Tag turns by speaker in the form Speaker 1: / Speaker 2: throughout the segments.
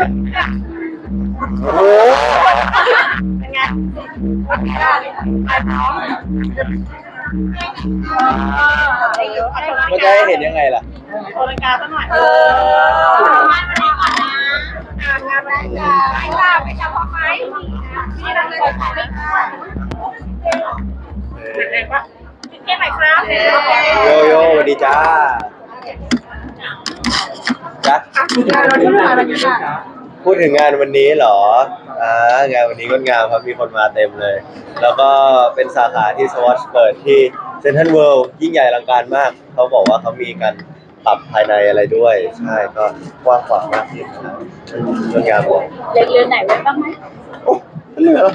Speaker 1: โอ้
Speaker 2: เป็นไง
Speaker 1: มันจะให้เห็นยังไงล่ะ
Speaker 2: โอลังกาสักหน่อยงานวันนี้ก่อนนะงานวันนี้ไปเฉพาะไหมที่เราเคยถ่ายไม่เด็กๆปะเก่งไหมครับ
Speaker 1: โยโย่สวัสดีจ้าจ้าพูดถึงงานวันนี้เหรองานวันนี้ก็งามครับมีคนมาเต็มเลยแล้วก็เป็นสาขาที่สวอชเปิดที่เซ็นทรัลเวิลด์ยิ่งใหญ่อลังการมากเขาบอกว่าเขามีการปรับภายในอะไรด้วยใช่ก็กว้างขวางมากจริงครับสวยงามเลย
Speaker 2: เรือนไหนไว้บ้างไหม
Speaker 1: โอ้เหลือ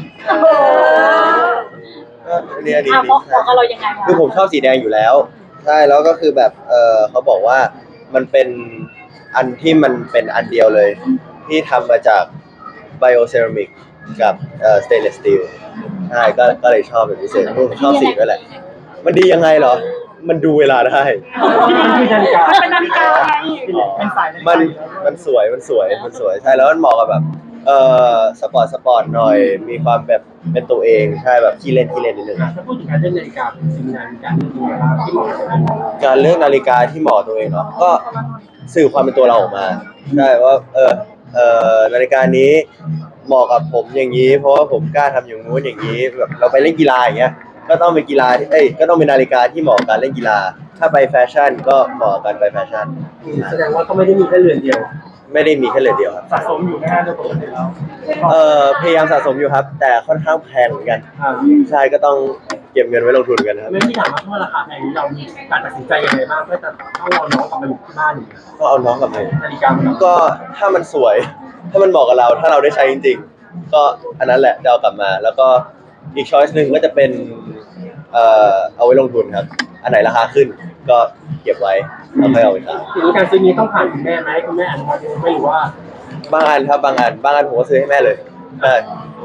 Speaker 1: เนี่ยดี
Speaker 2: บอกเรายังไง
Speaker 1: คือผมชอบสีแดงอยู่แล้วใช่แล้วก็คือแบบเขาบอกว่ามันเป็นอันที่มันเป็นอันเดียวเลยที่ทำมาจากไบโอเซรามิกกับสเตนเลสสตีลใช่ก็เลยชอบเป็นพิเศษผมชอบสีด้วยแหละมันดียังไงเหรอมันดูเวลาได้
Speaker 2: มันเป็นนาฬิกาไง
Speaker 1: มันสวยใช่แล้วมันเหมาะกับแบบสปอร์ตหน่อยมีความแบบเป็นตัวเองใช่แบบขี้เล่นนิดนึง
Speaker 3: ถ้าพูดถึงการเลือกนาฬิกาสิ่งนาฬิกาที่เหมาะ
Speaker 1: การเลือกนาฬิกาที่เหมาะตัวเองเนาะก็สื่อความเป็นตัวเราออกมาใช่ว่านาฬิกานี้เหมาะกับผมอย่างนี้เพราะว่าผมกล้าทำอย่างนู้นอย่างนี้แบบเราไปเล่นกีฬาอย่างเงี้ยก็ต้องเป็นกีฬาที่ก็ต้องเป็นนาฬิกาที่เหมาะกับการเล่นกีฬาถ้าไปแฟชั่นก็เหมาะกันไปแฟชั่น
Speaker 3: แสดงว่าก็ไม่ได้มีแค่เรือนเดียว
Speaker 1: ไม่ได้มีแค่เรือนเดียวครับ
Speaker 3: สะสมอยู่นะฮะโดยปกติแล้ว
Speaker 1: พยายามสะสมอยู่ครับแต่ค่อนข้างแพงเหมือนกันใช่ก็ต้องเก็บเงินไว้ลงทุนกันครับ
Speaker 3: ไม่ที่ถามว่าราคาแพงนี้เรามีการตัดสินใจยังไงบ้างเพื่อจะต้องเอาน้องกลับมาอยู่ที่บ้านอยู่
Speaker 1: ก็เอาน้องกลับมา
Speaker 3: นาฬิกา
Speaker 1: ก็ถ้ามันสวยถ้ามันเหมาะกับเราถ้าเราได้ใช้จริงๆก็อันนั้นแหละจะเอากลับมาแล้วก็อีกช้อยส์หนึ่งก็จะเป็นเอาไว้ลงทุนครับอันไหนราคาขึ้นก็เก็บไว้แล้วค่อยเอาไปขาย
Speaker 3: ทีนี้การซื้อนี้ต้องผ่านคุณแม่ไหมคุณแม่อนุญาตไม่หรือว่า
Speaker 1: บางอันครับบางอันผมก็ซื้อให้แม่เลยใช่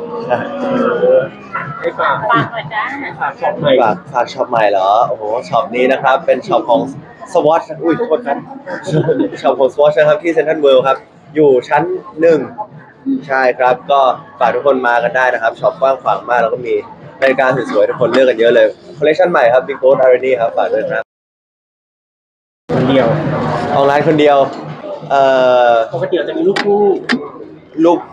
Speaker 3: ให้ฝาก
Speaker 2: หน่อยจ้า
Speaker 3: ฝากช็อปใหม่
Speaker 1: ฝากช็อปใหม่เหรอโอ้โหช็อปนี้นะครับเป็นช็อปของ Swatch อุ้ยโทษครับช็อปของ Swatch นะครับที่เซ็นทรัลเวิลด์ครับอยู่ชั้น1ใช่ครับก็ฝากทุกคนมากันได้นะครับช็อปกว้างขวางมากแล้วก็มีนาฬิกาสวยๆทุกคนเลือกกันเยอะเลยคอลเลคชันใหม่ครับ Big Boat Irony ครับฝากด้วยครับ
Speaker 3: คนเดียว
Speaker 1: ออนไลน์คนเดียว
Speaker 3: ปกติจะมีลูกคู่
Speaker 1: ลูก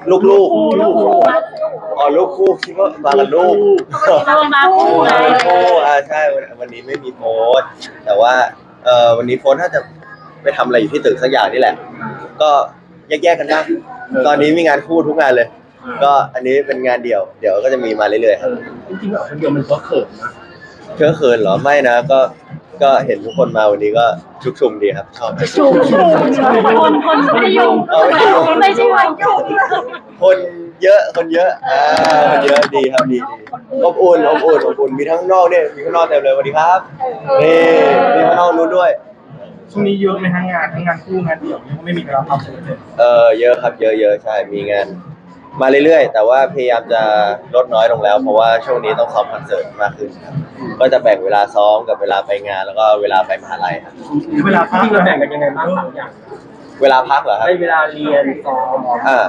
Speaker 1: อ๋อลูกคู่คิดว่ามากับลูก
Speaker 2: มาคู่
Speaker 1: ใช่วันนี้ไม่มีโพสแต่ว่าวันนี้โพสถ้าจะไปทำอะไรอยู่ที่ตึกสักอย่างนี่แหละก็แยกกันนะตอนนี้มีงานคู่ทุกงานเลยก็อันนี้เป็นงานเดี่ยวเดี๋ยวก็จะมีมาเรื่อยๆครับ
Speaker 3: จริงๆแบบคนเดียวมันก็เขินนะ
Speaker 1: เขินเหรอไม่นะก็เห็นทุกคนมาวันนี้ก็ชุกชุมดีครับชอบ
Speaker 2: ชุมคนไม่ได้ยุ่งไม่ใช่วันยุ่ง
Speaker 1: คนเยอะคนเยอะดีครับดีอบอุ่นมีทั้งนอกเนี่ยมีข้างนอกเต็มเลยสวัสดีครับนี่มีข้างนอกนู้นด้วย
Speaker 3: ช่วงนี้เยอะไหมทั้งงานคู่งานเดี่ยวยังไม่มีเวลาพักเลย
Speaker 1: เยอะครับเยอะใช่มีงานมาเรื่อยๆแต่ว่าพยายามจะลดน้อยลงแล้วเพราะว่าช่วงนี้ต้องซ้อมคอนเสิร์ตมากขึ้นครับก็จะแบ่งเวลาซ้อมกับเวลาไปงานแล้วก็เวลาไปมหาลัยครับ
Speaker 3: เวลาพักเราแบ่งกันยังไงบ้าง3อย่าง
Speaker 1: เวลาพักเหรอครับ
Speaker 3: เวลาเรียนซ้อม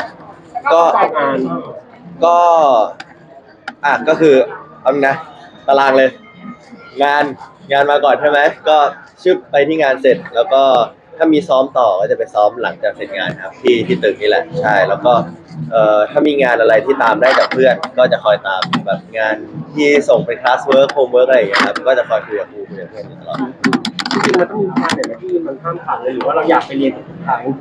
Speaker 1: ก็คือเอานะตารางเลยงานมาก่อนใช่ไหมก็ชึบไปที่งานเสร็จแล้วก็ถ้ามีซ้อมต่อก็จะไปซ้อมหลังจากเสร็จงานครับที่ตึกนี่แหละใช่แล้วก็ถ้ามีงานอะไรที่ตามได้จากเพื่อนก็จะคอยตามแบบงานที่ส่งเป็นคลาสเวิร์คโฮมเวิร์คอะไรอย่างเงี้ยครับก็จะคอยคุยกับครูคุยกับเพื่อนตลอด
Speaker 3: จริงๆมันต้องมีงานไหนที่มันห้ามขาดเลยหรือว่าเราอยากไปเรียนทุกครั้ง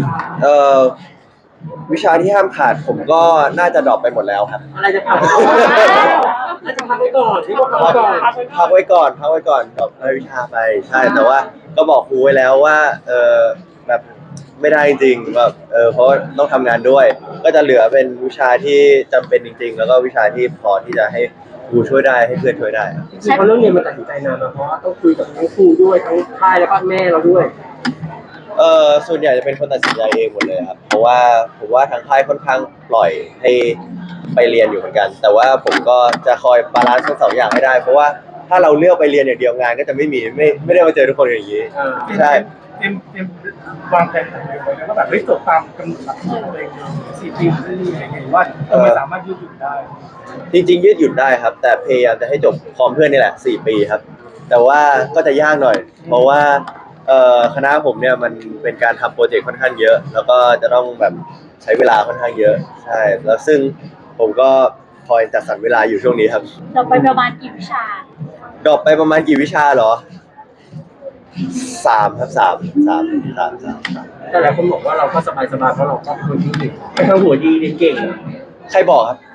Speaker 1: วิชาที่ห้ามขาดผมก็น่าจะดรอปไปหมดแล้วครับ
Speaker 3: อะไรจะขาดน่าจะพักไว้ก่อนที่
Speaker 1: พักไว้ก่อนดรอปวิชาไปใช่แต่ว่าก็บอกครูไว้แล้วว่าแบบไม่ได้จริงแบบเพราะต้องทำงานด้วยก็จะเหลือเป็นวิชาที่จำเป็นจริงๆแล้วก็วิชาที่พอที่จะให้ครูช่วยได้ให้เพื่อนช่วยได้
Speaker 3: เพราะเรื่องเรียนมันตัดสินใจนานเพราะว่าต้องคุยกับทั้งครูด้วยทั้งค่ายแล้วก็แม่เราด้วย
Speaker 1: ส่วนใหญ่จะเป็นคนตัดสินใจเองหมดเลยครับเพราะว่าผมว่าทางค่ายค่อนข้างปล่อยให้ไปเรียนอยู่เหมือนกันแต่ว่าผมก็จะคอยบาลานซ์ทั้งสองอย่างให้ได้เพราะว่าถ้าเราเลือกไปเรียนอย่างเดียวงานก็จะไม่ได้มาเจอทุกคนอย่างนี้ใช่
Speaker 4: เตรียมวางแผนอะไรไว้แล้วก็แบบจบตามกำหนดหลักของตัวเอง4 ปีที่นี่อะไรเงี้ยว่าไม่สามารถยืดหยุ่นได้
Speaker 1: จริงๆยืดหยุ่นได้ครับ แต่พยายามจะให้จบพร้อมเพื่อนนี่แหละ4 ปีครับ แต่ว่าก็จะยากหน่อย เพราะว่าคณะผมเนี่ยมันเป็นการทำโปรเจกต์ค่อนข้างเยอะ แล้วก็จะต้องแบบใช้เวลาค่อนข้างเยอะใช่แล้วซึ่งผมก็คอยจัดสรรเวลาอยู่ช่วงนี้ครับ
Speaker 2: เราไปประมาณกี่วิชา
Speaker 1: ดรอปไปประมาณกี่วิชาเหรอ3ครับ3
Speaker 3: แต่หลายคนบอกว่าเราก็สบายเพราะเราก็เป็นคนที่ไม่ทั้งหัวดีเรียนเก่ง
Speaker 1: ใครบอกครับ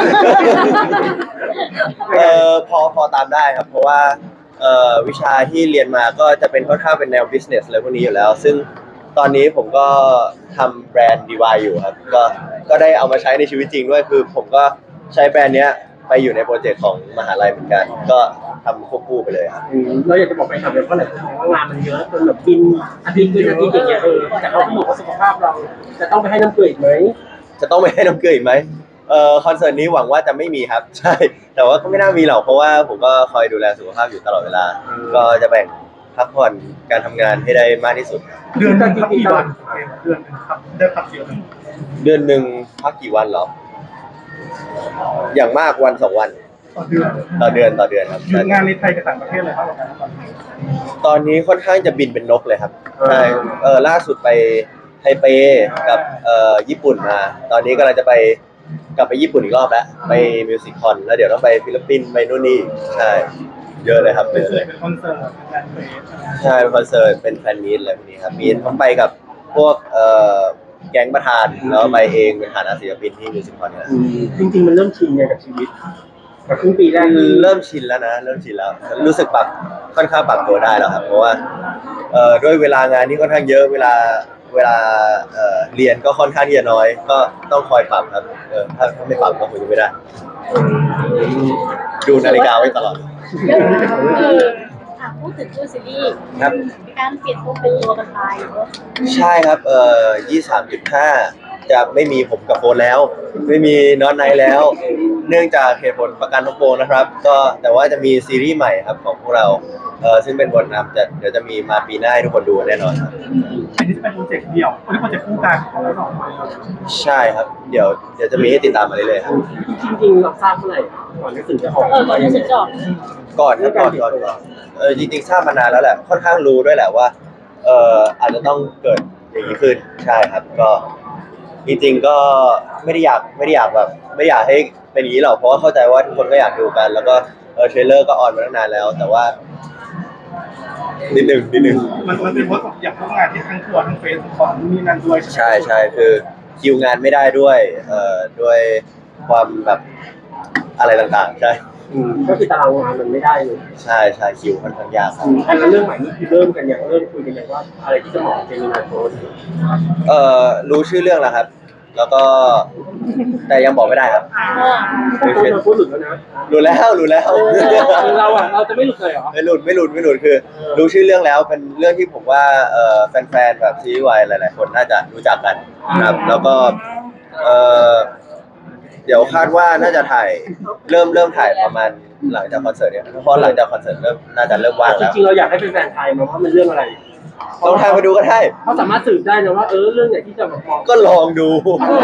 Speaker 1: พอตามได้ครับ เพราะว่าวิชาที่เรียนมาก็จะเป็นค่อนข้างเป็นแนว business อะไรพวกนี้อยู่แล้ว ซึ่งตอนนี้ผมก็ทำแบรนด์ DIY อยู่ครับก็ได้เอามาใช้ในชีวิตจริงด้วยคือผมก็ใช้แบรนด์เนี้ยไปอยู่ในโปรเจกต์ของมหาลัยเหมือนกัน ก็ทำควบคู่ไปเลยครับ
Speaker 3: เราอยากจะบอกไปทำเลยเพราะหลายคนมองว่างานมันเยอะจนแบบกินอาทิตย์กินอาทิตย์อย่างเงี้ยแต่เขาบอกว่าสุขภาพเราจะต้องไปให้น้ำเกลืออีกไหม
Speaker 1: จะต้องไปให้น้ำเกลืออีกไหมคอนเสิร์ตนี้หวังว่าจะไม่มีครับ ใช่ แต่ว่าก็ไม่น่ามีหรอกเพราะว่าผมก็คอยดูแลสุขภาพอยู่ตลอดเวลา ก็จะแบ่งพักผ่อนการทำงานให้ได้มากที่สุด
Speaker 4: เดือนหนึงครับกี่วันเดือนหนึงครับได้พักเดียว
Speaker 1: เดือนหนึ่งพักกี่วันเหรอ อย่างมากวัน2 วัน
Speaker 4: ต่อเดือน
Speaker 1: ต่อเดือนครับ
Speaker 4: คืองานในไทยกับต่างประเทศเลยครับ
Speaker 1: ตอนนี้ค่อนข้างจะบินเป็นนกเลยครับใช่ล่าสุดไปไทเปกับญี่ปุ่นมา ตอนนี้กำลังจะกลับไปญี่ปุ่นอีกรอบแล้วไปมิวสิคคอนแล้วเดี๋ยวต้องไปฟิลิปปินส์ไปนู่นนี่ใช่เยอะเลยครับเยอะเลย
Speaker 4: เป็นคอนเสิร์ตเป็นงานเพลง
Speaker 1: ใช่เป็นคอนเสิร์ตเป็นแฟนมีตอะไรพวกนี้ครับมีต้องไปกับพวกแก๊งประธานแล้วไปเองเป็นฐานะศิลปินที่มิวสิคคอนเนี่ย
Speaker 3: จริงๆมันเริ่มชินไงกับชีวิตกับครึ่งปีแรกนี้
Speaker 1: เริ่มชินแล้วนะเริ่มชินแล้วรู้สึกค่อนข้างปรับตัวได้แล้วครับเพราะว่าด้วยเวลางานที่ค่อนข้างเยอะเวลาเรียนก็ค่อนข้างที่จะน้อย ก็ต้องคอยปรับครับถ้าไม่ปรับก็คงจะไม่ได้ ดูนาฬิกาไว้ตลอด
Speaker 2: พูดถึงชื่อซีรีส์
Speaker 1: ครับ
Speaker 2: มีการเปลี่ยนตัวเป็นตัวกันไป
Speaker 1: ใช่ครับ23.5 จะไม่มีผมกับโฟนแล้ว ไม่มีน็อตไนท์แล้ว เนื่องจากเหตุผลประกันของโฟนนะครับ ก็แต่ว่าจะมีซีรีส์ใหม่ครับของพวกเราซึ่งเป็นบทนำเดี๋ยวจะมีมาปีหน้าให้ทุกคนดูแน่นอนครับ
Speaker 4: อันนี้จะเป็นโปรเจกต์เดี่ยวอันนี้โปรเจกต์คู่กันของเราสองคนครับ
Speaker 1: ใช่ครับ เดี๋ยวจะมีให้ติดตามมาเรื่อยๆครับ
Speaker 3: จริงๆเราทราบเมื่อไหร่ก่อนหนังสือจะออก
Speaker 2: ก่อนที่จะจบ
Speaker 1: ก่อนครับก่อนจริงๆทราบมานานแล้วแหละค่อนข้างรู้ด้วยแหละว่าอาจจะต้องเกิดอย่างนี้ขึ้นใช่ครับก็จริงๆก็ไม่ได้อยากแบบไม่อยากให้เป็นอย่างนี้หรอกเพราะว่าเข้าใจว่าทุกคนก็อยากดูกัน แล้วก็เทรลเลอร์ก็ออนมาตั้งนานแล้ว แต่ว่านิดนึง
Speaker 4: มันเป็นเพราะอยากร่วมงานที่ทั้งทัวร์ทั้งเฟสของนี่นั่นด้วย
Speaker 1: ใช่คือคิวงานไม่ได้ด้วยด้วยความแบบอะไรต่างๆใช่
Speaker 3: ก็คือตารางงานมันไม่ได้เลย
Speaker 1: ใช่คิวค่อนข้างยากครับ
Speaker 3: แล้วเรื่องใหม่นี่คือเริ่มคุยกันอย่างว่าอะไรที่จะเหมาะกับเจมินาโพส
Speaker 1: รู้ชื่อเรื่องแล้วครับ แล้วก็แต่ยังบอกไม่ได้ครับ
Speaker 3: โพสมาพูดหลุดแล้วนะ
Speaker 1: รู้แล้ว
Speaker 3: เราจะไม่หลุดเลยเหรอ
Speaker 1: ไม่หลุดคือรู้ชื่อเรื่องแล้วเป็นเรื่องที่ผมว่าแฟนๆแบบซีรีส์วายหลายๆคนน่าจะรู้จักกันครับแล้วก็เดี๋ยวคาดว่าน่าจะถ่ายเริ่มถ่ายประมาณหลังจากคอนเสิร์ตเนี่ยเพราะหลังจากคอนเสิร์ตน่าจะเริ่มว่าง
Speaker 3: จ
Speaker 1: แล้ว
Speaker 3: ริงๆเราอยากให้แฟนๆไทยมาว่ามันเรื่องอะไร
Speaker 1: ต้องทางไปดูก็ได้
Speaker 3: เขาสามารถสืบได้นะว่าเรื่องไหนที่จะแบบมอง
Speaker 1: ก็ลองดู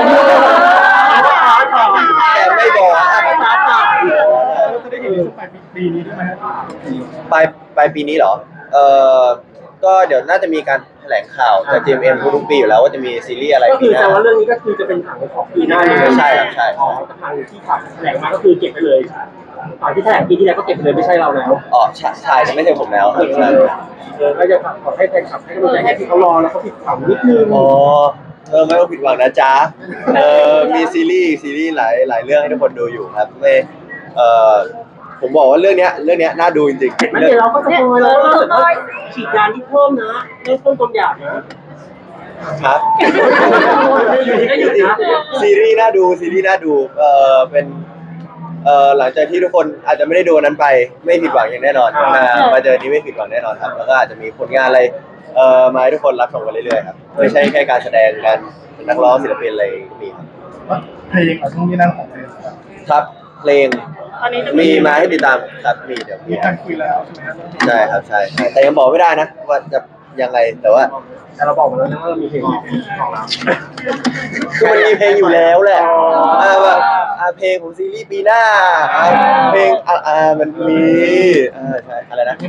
Speaker 1: แต่ไม่บอก
Speaker 4: เราจะได้เห็นในช่วงปลายปีนี้ด้วยไหมครับ
Speaker 1: ปลายปีนี้เหรอก็เดี๋ยวน่าจะมีการแถลงข่าวจาก GMM ทุกปีอยู่แล้วว่าจะมีซีรีส์อะไร
Speaker 3: ก็
Speaker 1: ปี
Speaker 3: คือ
Speaker 1: หน้า
Speaker 3: แต่ว่าเรื่องนี้ก็คือจะเป็นถังของปีหน้าเลย
Speaker 1: ใช่ครับใช่
Speaker 3: ทางที่ขับแถลงมาก็คือเก็บไปเลยตอนที่แถลงปีที่แล้วก็เก็บไปเลยไม่ใช่เราแล้ว
Speaker 1: อ๋อใช่แต่ไม่ใช่ผมแล้วใช่
Speaker 3: ก็จะขอให้แฟนคลับให้กำลังใจให้ที่เขารอแล้วเขาผิดหวังนิดนึง
Speaker 1: อ๋อไม่ต้องผิดหวังนะจ๊ะมีซีรีส์หลายเรื่องให้ทุกคนดูอยู่ครับไม่ผมบอกว่าเรื่องเนี้ยน่าดูจริงๆ
Speaker 3: ไม่เดี๋ยวเราก็สปอยแล้วก็ฉีดยาที่เพิ่มนะเริ่มต้นความอยากนะครับ ไม่หยุดนะ
Speaker 1: ซีรีส์น่าดูเป็นหลังจากที่ทุกคนอาจจะไม่ได้ดูนั้นไปไม่ผิดหวังอย่างแน่นอนมาเจอนี้ไม่ผิดหวังแน่นอนครับแล้วก็อาจจะมีผลงานอะไรมาให้ทุกคนรับชมกันเรื่อยๆครับไม่ใช่แค่การแสดงการเป็นนักร้องศิลปินอะไรมีครับ
Speaker 4: เพลงอะไรช่วงนี้นั่นของเพลง
Speaker 1: ครับเพลง
Speaker 2: ตอนนี้จะ
Speaker 1: มีมาให้ติดตามครับมีเดี๋ยว
Speaker 4: มีการคุยแล้วใช่ไหมครับ
Speaker 1: ใช่ครับใช่แต่ยังบอกไม่ได้นะว่าจะยังไงแต่ว่า
Speaker 3: แต่เราบอกมาแล้วนะว่าเรามีเพลงของเรา
Speaker 1: คือมันมีเพลงอยู่แล้วแหละแบบเพลงของซีรีส์ปีหน้าเพลงมันมีใช่อะไรนะ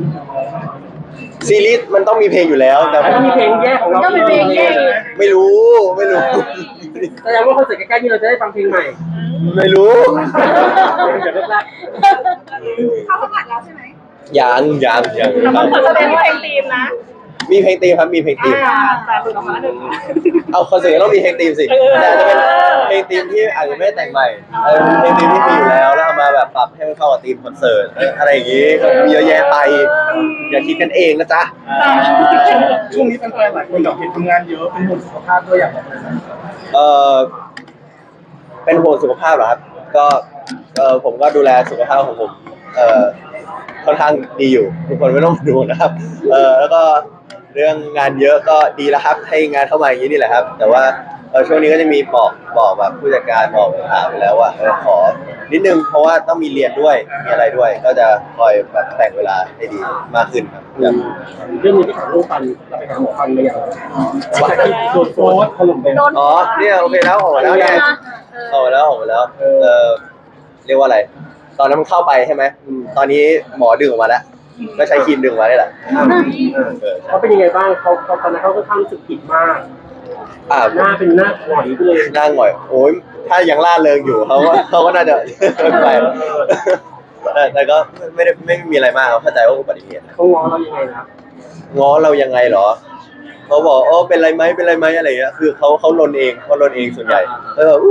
Speaker 1: ซีรีส์มันต้องมีเพลงอยู่แล้วแต่
Speaker 3: แต่ก็มีเพลงแยกของเรา
Speaker 2: ก็มีเพลงแยก
Speaker 1: ไม่รู้
Speaker 3: แสดงว่าคอนเสิร์ตใกล้ๆนี้เราจะได้ฟังเพลงใหม่
Speaker 1: ไม่รู้
Speaker 3: เดี๋ยวแรก
Speaker 2: เข้าประกาศแล้วใช่ไหม
Speaker 1: ยัง
Speaker 2: มันควรจะเป็นเพลงธีมนะ
Speaker 1: มีเพลงธีมครับมีเพลงธีม
Speaker 2: แต่หลุดออกมาหนึ่ง
Speaker 1: เอาคอนเสิร์ตต้องมีเพลงธีมสิแต่จะเป็นเพลงธีมที่อาจจะไม่ได้แต่งใหม่เพลงธีมที่มีอยู่แล้วเอามาแบบปรับให้มันเข้ากับธีมคอนเสิร์ตอะไรอย่างงี้ก็มีเยอะแยะไปอย่าคิดกันเองนะจ๊ะ
Speaker 4: ช่วงนี้แฟนๆหลายคนแบบเห็นทำงานเยอะเป็นห่วงสุขภาพด้วยอยากบอกเลยนะ
Speaker 1: เป็นห่วงสุขภาพเหรอครับก็ผมก็ดูแลสุขภาพของผมค่อนข้างดีอยู่ทุกคนไม่ต้องดูนะครับแล้วก็เรื่องงานเยอะก็ดีแล้วครับให้งานเข้ามาอย่างนี้นี่แหละครับ แต่ว่าช่วงนี้ก็จะมีบอกแบบผู้จัดการบอกถามไปแล้วว่าขอนิดนึงเพราะว่าต้องมีเรียนด้วยมีอะไรด้วย ก็จะคอยแบบแบ่งเวลาให้ดีมากขึ้นครับ
Speaker 3: ๆเรื่องนี้ที่ถามเรื่องฟันเราไปหาหมอฟันมาอย่างจากที่โดนโพสต์ถล่มไป
Speaker 1: อ๋อเนี่ยโอเคแล้วออกมาแล้วเนี่ยออกมาแล้วเรียกว่าอะไรตอนนั้นมันเข้าไปใช่ไหมตอนนี้หมอดึงออกมาแล้วก็ใช้ครีมดึงออกมาได้แหละ
Speaker 3: เขาเป็นยังไงบ้างเขาตอนนั้นเขาก็ค่อนข้างรู้สึกผิดมากหน้าเป็นหน้าหงอยไปเลย
Speaker 1: หน้าหงอยโอ้ยถ้ายังล่าเริงอยู่เขาก็น่าจะไปแต่ก็ไม่มีอะไรมากเข้าใจว่าอุบัติเหตุ
Speaker 3: เขาง้อเรายังไงนะ
Speaker 1: ง้อเรายังไงเหรอเขาบอกเป็นไรไหมอะไรเงี้ยคือเขาลนเองส่วนใหญ่แล้วแบบ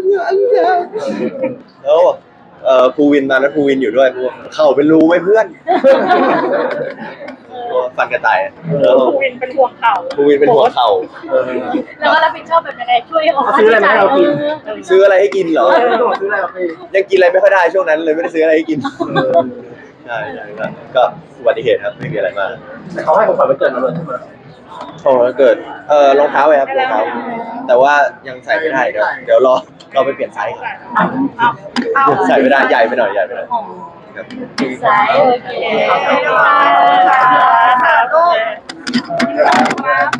Speaker 1: แล้วภูวินตอนนั้นภูวินอยู่ด้วยเข่าเป็นรูไหมเพื่อนฟันกระต่าย
Speaker 2: ภูวินเป็นห่วงเขา
Speaker 1: ภูวินเป็นหัวเข่า
Speaker 2: แล้วก็รับผิดชอบแบบยังไงช่วยเขา
Speaker 3: ซื้ออะไรมาให้เรากิน
Speaker 1: ซื้ออะไรให้กินเหรอ
Speaker 3: ซื้ออะไรเราไป
Speaker 1: ยังกินอะไรไม่ค่อยได้ช่วงนั้นเลยไม่ได้ซื้ออะไรให้กินใช่ก็อุบัติเหตุครับไม่มีอะไรมาก
Speaker 3: แต่เขาให้ของขวัญวันเกิดเราเลยใช่ไหม
Speaker 1: พอเกิดรองเท้าไว้ครับรองเท้าแต่ว่ายังใส่ไม่ได้เดี๋ยวรอไปเปลี่ยนไซส์ใส่ไม่ได้ใหญ่ไปหน่อยครับ
Speaker 2: สายโอเคค่ะลูก